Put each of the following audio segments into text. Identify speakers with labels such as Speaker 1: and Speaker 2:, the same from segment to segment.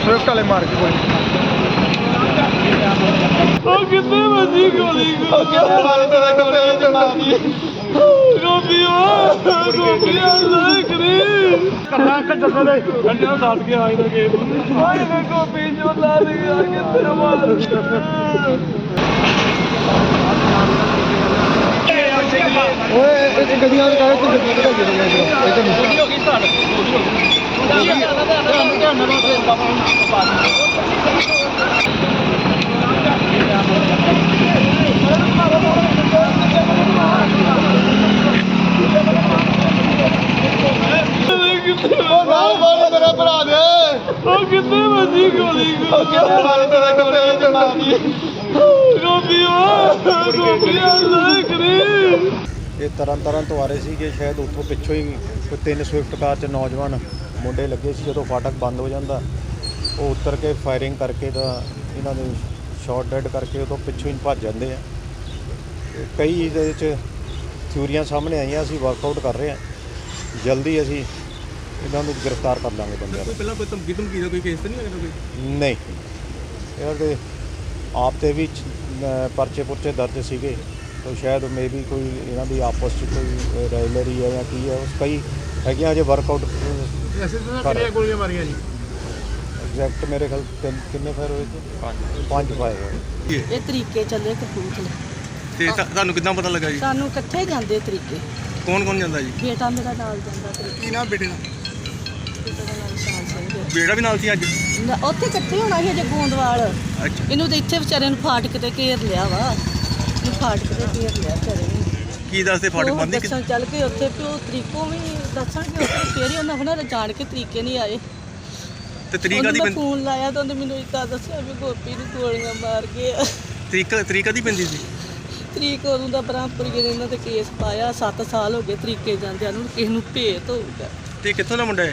Speaker 1: Swift वाले मार के गोली
Speaker 2: कितने बजी गोली
Speaker 1: मेरा भरा दे
Speaker 2: कितने बजी गोली
Speaker 3: ਇਹ ਤਰਨ ਤੋਂ ਆ ਰਹੇ ਸੀ ਕਿ ਸ਼ਾਇਦ ਉੱਥੋਂ ਪਿੱਛੋਂ ਹੀ ਕੋਈ 3 ਸਵਿਫਟ ਕਾਰ 'ਚ ਨੌਜਵਾਨ ਮੁੰਡੇ ਲੱਗੇ ਸੀ। ਜਦੋਂ ਫਾਟਕ ਬੰਦ ਹੋ ਜਾਂਦਾ ਉਹ ਉੱਤਰ ਕੇ ਫਾਇਰਿੰਗ ਕਰਕੇ ਤਾਂ ਇਹਨਾਂ ਦੇ ਸ਼ਾਟ ਡੈਡ ਕਰਕੇ ਉਦੋਂ ਪਿੱਛੋਂ ਹੀ ਭੱਜ ਜਾਂਦੇ ਆ। ਕਈ ਇਹਦੇ ਵਿੱਚ ਥਿਊਰੀਆਂ ਸਾਹਮਣੇ ਆਈਆਂ, ਅਸੀਂ ਵਰਕਆਊਟ ਕਰ ਰਹੇ ਹਾਂ। ਜਲਦੀ ਅਸੀਂ ਇਹਨਾਂ ਨੂੰ ਗ੍ਰਿਫਤਾਰ ਕਰ ਲਾਂਗੇ ਬੰਦਿਆਂ ਨੂੰ।
Speaker 4: ਪਹਿਲਾਂ ਕੋਈ ਧਮਕੀ ਦਾ ਕੋਈ ਕੇਸ ਤਾਂ ਨਹੀਂ ਹੈਗਾ ਕੋਈ?
Speaker 3: ਨਹੀਂ, ਇਹਨਾਂ ਦੇ ਆਪ 'ਤੇ ਵੀ ਪਰਚੇ ਪੁਰਚੇ ਦਰਜ ਸੀਗੇ। तो शायद मे भी कोई इन्हों की आपस कोई राइवलरी है या की है उस कई है अजे वर्कआउट एग्जैक्ट मेरे ख्याल कितने फायर हुए थे? 5 फायर हुए।
Speaker 5: ਇਹ ਤਰੀਕੇ ਚੱਲੇ ਕਪੂਰਥਲੇ
Speaker 4: ਤੇ ਤੁਹਾਨੂੰ ਕਿੱਦਾਂ ਪਤਾ ਲੱਗਾ ਜੀ?
Speaker 5: ਸਾਨੂੰ ਇਕੱਠੇ ਜਾਂਦੇ ਤਰੀਕੇ।
Speaker 4: ਕੌਣ ਜਾਂਦਾ ਜੀ?
Speaker 5: ਬੇਟਾ ਮੇਰਾ ਨਾਲ ਜਾਂਦਾ ਤਰੀਕੇ।
Speaker 4: ਕੀ ਨਾਮ ਬੇਟੇ ਦਾ?
Speaker 5: ਬੇਟੇ ਦਾ ਨਾਮ ਸ਼ਾਨ ਸਿੰਘ।
Speaker 4: ਬੇਟਾ ਵੀ ਨਾਲ ਸੀ ਅੱਜ?
Speaker 5: ਉੱਥੇ ਇਕੱਠੇ ਹੋਣਾ ਸੀ ਅਜੇ ਗੋਂਦਵਾਲ।
Speaker 4: ਅੱਛਾ,
Speaker 5: ਇਹਨੂੰ ਤਾਂ ਇੱਥੇ ਵਿਚਾਰੇ ਨੂੰ ਫਾਟਕ ਤੇ ਘੇਰ ਲਿਆ ਵਾ। ਇਹਨੂੰ ਫਾਟਕ ਤੇ ਘੇਰ ਲਿਆ ਵਿਚਾਰੇ ਨੂੰ।
Speaker 4: ਕੀ ਦੱਸਦੇ ਫਾਟਕ ਬੰਦ ਹੀ?
Speaker 5: ਦੱਸਣ ਚੱਲ ਕੇ ਉੱਥੇ ਵੀ ਉਹ ਤਰੀਕੋਂ ਵੀ ਦੱਸਣਗੇ ਉੱਥੇ ਫੇਰ ਹੀ ਉਹਨਾਂ ਹੋਣਾ ਜਾਣ ਕੇ ਤਰੀਕੇ ਨਹੀਂ ਆਏ।
Speaker 4: ਤੇ ਤਰੀਕਾ ਦੀ
Speaker 5: ਫੋਨ ਲਾਇਆ ਤਾਂ ਉਹਨੇ ਮੈਨੂੰ ਇੱਦਾਂ ਦੱਸਿਆ ਵੀ ਗੋਪੀ ਨੂੰ ਗੋਲੀਆਂ ਮਾਰ ਗਏ।
Speaker 4: ਤਰੀਕਾ ਦੀ ਪੈਂਦੀ ਸੀ?
Speaker 5: ਤਰੀਕ ਉਦੋਂ ਦਾ ਬ੍ਰਹਮਪੁਰੀ ਨੇ ਇਹਨਾਂ ਤੇ ਕੇਸ ਪਾਇਆ। 7 ਸਾਲ ਹੋ ਗਏ ਤਰੀਕੇ ਜਾਂਦਿਆਂ ਨੂੰ। ਕਿਸੇ ਨੂੰ ਭੇਤ ਹੋਊਗਾ।
Speaker 4: ਤੇ ਕਿੱਥੋਂ ਦਾ ਮੁੰਡਾ ਹੈ?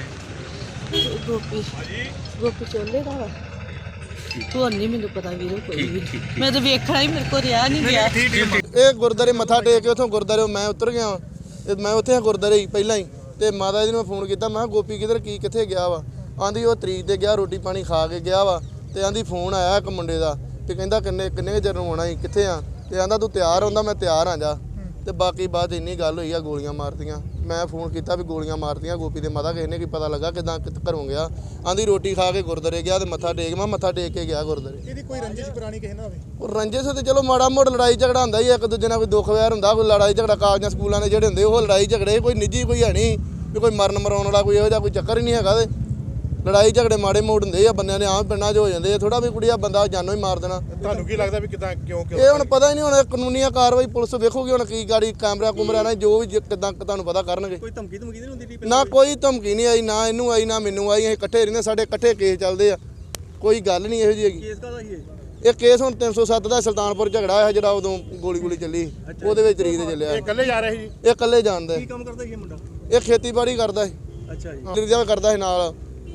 Speaker 5: ਗੋਪੀ ਚੋਲੇ ਦਾ ਵਾ। ਤੂੰ ਨਹੀਂ ਮੈਨੂੰ ਪਤਾ ਵੀਰੋ ਕੋਈ ਵੀ। ਮੈਂ ਤਾਂ ਵੇਖਣਾ ਹੀ ਮੇਰੇ ਕੋਲ ਰਿਹਾ ਨਹੀਂ ਗਿਆ।
Speaker 1: ਇਹ ਗੁਰਦਾਰੇ ਮੱਥਾ ਟੇਕ ਕੇ ਉੱਥੋਂ ਗੁਰਦਾਰੇ ਮੈਂ ਉਤਰ ਗਿਆ। ਮੈਂ ਉੱਥੇ ਗੁਰਦਾਰੇ ਹੀ ਪਹਿਲਾਂ ਹੀ ਤੇ ਮਾਤਾ ਜੀ ਨੂੰ ਮੈਂ ਫੋਨ ਕੀਤਾ। ਮੈਂ ਕਿਹਾ ਗੋਪੀ ਕਿੱਥੇ ਗਿਆ ਵਾ? ਆਂਦੀ ਉਹ ਤਰੀਕ ਤੇ ਗਿਆ, ਰੋਟੀ ਪਾਣੀ ਖਾ ਕੇ ਗਿਆ ਵਾ। ਤੇ ਆਂਦੀ ਫੋਨ ਆਇਆ ਇੱਕ ਮੁੰਡੇ ਦਾ ਤੇ ਕਹਿੰਦਾ ਕਿੰਨੇ ਚਿਰ ਨੂੰ ਆਉਣਾ ਸੀ, ਕਿੱਥੇ ਆ? ਤੇ ਆਂਦਾ ਤੂੰ ਤਿਆਰ ਹੁੰਦਾ? ਮੈਂ ਤਿਆਰ ਆ ਜਾ। ਤੇ ਬਾਕੀ ਬਾਤ ਇੰਨੀ ਗੱਲ ਹੋਈ ਆ ਗੋਲੀਆਂ ਮਾਰਤੀਆਂ। ਮੈਂ ਫੋਨ ਕੀਤਾ ਵੀ ਗੋਲੀਆਂ ਮਾਰਤੀਆਂ ਗੋਪੀ ਦੇ ਮਾਤਾ ਕਿਸੇ ਨੇ ਕੀ ਪਤਾ ਲੱਗਾ ਕਿੱਦਾਂ ਘਰੋਂ ਗਿਆ? ਆਂਦੀ ਰੋਟੀ ਖਾ ਕੇ ਗੁਰਦਾਰੇ ਗਿਆ ਤੇ ਮੱਥਾ ਟੇਕ। ਮੈਂ ਮੱਥਾ ਟੇਕ ਕੇ ਗਿਆ ਗੁਰਦਾਰੇ।
Speaker 6: ਇਹਦੀ ਕੋਈ ਰੰਜਿਸ਼ ਪੁਰਾਣੀ ਕਿਸੇ ਨਾਲ ਹੋਵੇ?
Speaker 1: ਉਹ ਰੰਜਿਸ਼ ਤੇ ਚਲੋ ਮਾੜਾ ਮੋੜ ਲੜਾਈ ਝਗੜਾ ਹੁੰਦਾ ਹੀ ਇੱਕ ਦੂਜੇ ਨਾਲ। ਕੋਈ ਦੁੱਖ ਵੈਰ ਹੁੰਦਾ, ਕੋਈ ਲੜਾਈ ਝਗੜਾ ਕਾਲਜਾਂ ਸਕੂਲਾਂ ਦੇ ਜਿਹੜੇ ਹੁੰਦੇ ਉਹ ਲੜਾਈ ਝਗੜੇ। ਕੋਈ ਨਿੱਜੀ ਕੋਈ ਹੈ ਨਹੀਂ ਵੀ ਕੋਈ ਮਰਨ ਮਰਾਉਣ ਵਾਲਾ ਕੋਈ ਇਹੋ ਜਿਹਾ ਕੋਈ ਚੱਕਰ ਹੀ ਨਹੀਂ ਹੈਗਾ। ਤੇ ਲੜਾਈ ਝਗੜੇ ਮਾੜੇ ਮੋੜ ਹੁੰਦੇ ਆ ਬੰਦਿਆਂ ਦੇ ਆਮ ਪਿੰਡਾਂ 'ਚ ਹੋ ਜਾਂਦੇ ਆ। ਥੋੜਾ ਵੀ ਕੁੜੀਆ ਬੰਦਾ ਜਾਨੋਂ ਹੀ ਮਾਰ ਦੇਣਾ।
Speaker 6: ਤੁਹਾਨੂੰ ਕੀ ਲੱਗਦਾ ਵੀ ਕਿਦਾਂ ਕਿਉਂ
Speaker 1: ਇਹ ਹੁਣ ਪਤਾ ਹੀ ਨਹੀਂ। ਹੁਣ ਕਾਨੂੰਨੀਆ ਕਾਰਵਾਈ ਪੁਲਿਸ ਵੇਖੂਗੀ ਹੁਣ ਕੀ ਗਾੜੀ ਕੈਮਰਾ ਨਾਲ ਜੋ ਵੀ ਕਿੱਦਾਂ ਤੁਹਾਨੂੰ ਪਤਾ ਕਰਨਗੇ।
Speaker 4: ਕੋਈ ਧਮਕੀ ਤਾਂ ਨਹੀਂ ਹੁੰਦੀ?
Speaker 1: ਨਾ ਕੋਈ ਧਮਕੀ ਨਹੀਂ ਆਈ, ਨਾ ਇਹਨੂੰ ਆਈ ਨਾ ਮੈਨੂੰ ਆਈ। ਅਸੀਂ ਇਕੱਠੇ ਰਹਿੰਦੇ, ਸਾਡੇ ਇਕੱਠੇ ਕੇਸ ਚੱਲਦੇ ਆ। ਕੋਈ ਗੱਲ ਨਹੀਂ ਇਹੋ ਜਿਹੀ ਹੈਗੀ।
Speaker 4: ਕੇਸ ਕਾਹਦਾ ਸੀ
Speaker 1: ਇਹ ਕੇਸ ਹੁਣ 307 ਦਾ ਸੁਲਤਾਨਪੁਰ ਝਗੜਾ ਹੋਇਆ ਜਿਹੜਾ ਉਦੋਂ ਗੋਲੀ ਚੱਲੀ। ਉਹਦੇ ਵਿੱਚ ਤਰੀਕ ਤੇ ਚੱਲਿਆ।
Speaker 6: ਇਹ ਇਕੱਲੇ ਜਾ ਰਹੇ ਸੀ ਜੀ?
Speaker 1: ਇਹ ਇਕੱਲੇ ਜਾਣਦਾ।
Speaker 4: ਕੀ ਕੰਮ ਕਰਦਾ ਸੀ ਇਹ ਮੁੰਡਾ?
Speaker 1: ਇਹ ਖੇਤੀਬਾੜੀ ਕਰਦਾ ਸੀ।
Speaker 4: ਅੱਛਾ ਜੀ।
Speaker 1: ਨਿਰਜਾ ਕਰਦਾ ਸੀ ਨਾਲ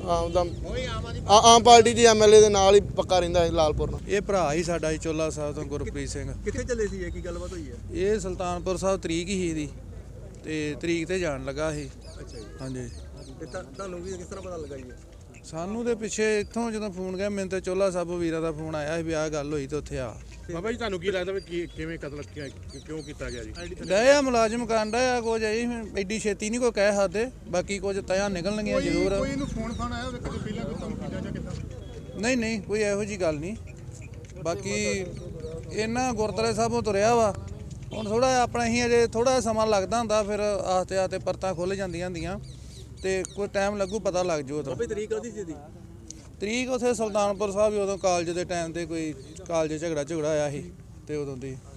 Speaker 1: ਆਮ ਪਾਰਟੀ ਦੇ ਐਮਐਲਏ ਦੇ ਨਾਲ ਹੀ ਪੱਕਾ ਰਹਿੰਦਾ ਸੀ ਲਾਲਪੁਰ ਨਾਲ।
Speaker 7: ਇਹ ਭਰਾ ਹੀ ਸਾਡਾ ਚੋਲਾ ਸਾਹਿਬ ਤੋਂ ਗੁਰਪ੍ਰੀਤ ਸਿੰਘ।
Speaker 4: ਕਿੱਥੇ ਚੱਲੇ ਸੀ? ਕੀ ਗੱਲਬਾਤ ਹੋਈ ਹੈ?
Speaker 7: ਇਹ ਸੁਲਤਾਨਪੁਰ ਸਾਹਿਬ ਤਰੀਕ ਹੀ ਇਹਦੀ ਤੇ ਤਰੀਕ ਤੇ ਜਾਣ ਲੱਗਾ ਸੀ।
Speaker 4: ਅੱਛਾ ਜੀ।
Speaker 7: ਹਾਂਜੀ।
Speaker 4: ਤੇ ਤੁਹਾਨੂੰ ਵੀ ਕਿਸ ਤਰ੍ਹਾਂ ਪਤਾ ਲੱਗਾ ਜੀ?
Speaker 7: ਸਾਨੂੰ ਦੇ ਪਿੱਛੇ ਇੱਥੋਂ ਜਦੋਂ ਫੋਨ ਗਿਆ ਮੈਨੂੰ ਤੇ ਚੋਲਾ ਸਾਹਿਬ ਵੀਰਾ ਦਾ ਫੋਨ ਆਇਆ ਸੀ ਵੀ ਆਹ ਗੱਲ ਹੋਈ ਤੇ ਉੱਥੇ ਆ।
Speaker 6: ਬਾਬਾ ਜੀ ਤੁਹਾਨੂੰ ਕੀ ਲੱਗਦਾ ਵੀ ਕਿਵੇਂ ਕਤਲ ਕਿਉਂ ਕੀਤਾ ਗਿਆ ਜੀ?
Speaker 7: ਡਿਆ ਮੁਲਾਜ਼ਮ ਕਾਂਡਾ ਆ ਕੁਝ ਐਡੀ ਛੇਤੀ ਨਹੀਂ ਕੋਈ ਕਹਿ ਸਕਦੇ। ਬਾਕੀ ਕੁਝ ਤਿਆ ਨਿਕਲਣਗੀਆਂ ਜ਼ਰੂਰ।
Speaker 6: ਕੋਈ ਇਹਨੂੰ ਫੋਨ ਆਇਆ ਹੋਵੇ ਕਦੇ ਪਹਿਲਾਂ ਕੋਈ ਧਮਕੀ ਜਾਂ ਕਿੱਦਾਂ?
Speaker 7: ਨਹੀਂ ਕੋਈ ਇਹੋ ਜੀ ਗੱਲ ਨਹੀਂ। ਬਾਕੀ ਇਹਨਾਂ ਗੁਰਦੁਆਰੇ ਸਾਹਿਬੋਂ ਤੁਰਿਆ ਵਾ। ਹੁਣ ਥੋੜਾ ਆਪਣਾ ਹੀ ਅਜੇ ਥੋੜਾ ਸਮਾਂ ਲੱਗਦਾ ਹੁੰਦਾ, ਫਿਰ ਆਸਤੇ ਪਰਤਾਂ ਖੁੱਲ੍ਹ ਜਾਂਦੀਆਂ ਹੁੰਦੀਆਂ ਤੇ ਕੋਈ ਟਾਈਮ ਲੱਗੂ, ਪਤਾ ਲੱਗ ਜੂ। ਉਦੋਂ
Speaker 4: ਤਰੀਕ ਕਾਹਦੀ ਸੀ ਇਹਦੀ?
Speaker 7: ਤਰੀਕ ਉੱਥੇ ਸੁਲਤਾਨਪੁਰ ਸਾਹਿਬ ਉਦੋਂ ਕਾਲਜ ਦੇ ਟਾਈਮ ਤੇ ਕੋਈ ਕਾਲਜ ਝਗੜਾ ਆਇਆ ਸੀ ਤੇ ਉਦੋਂ ਦੀ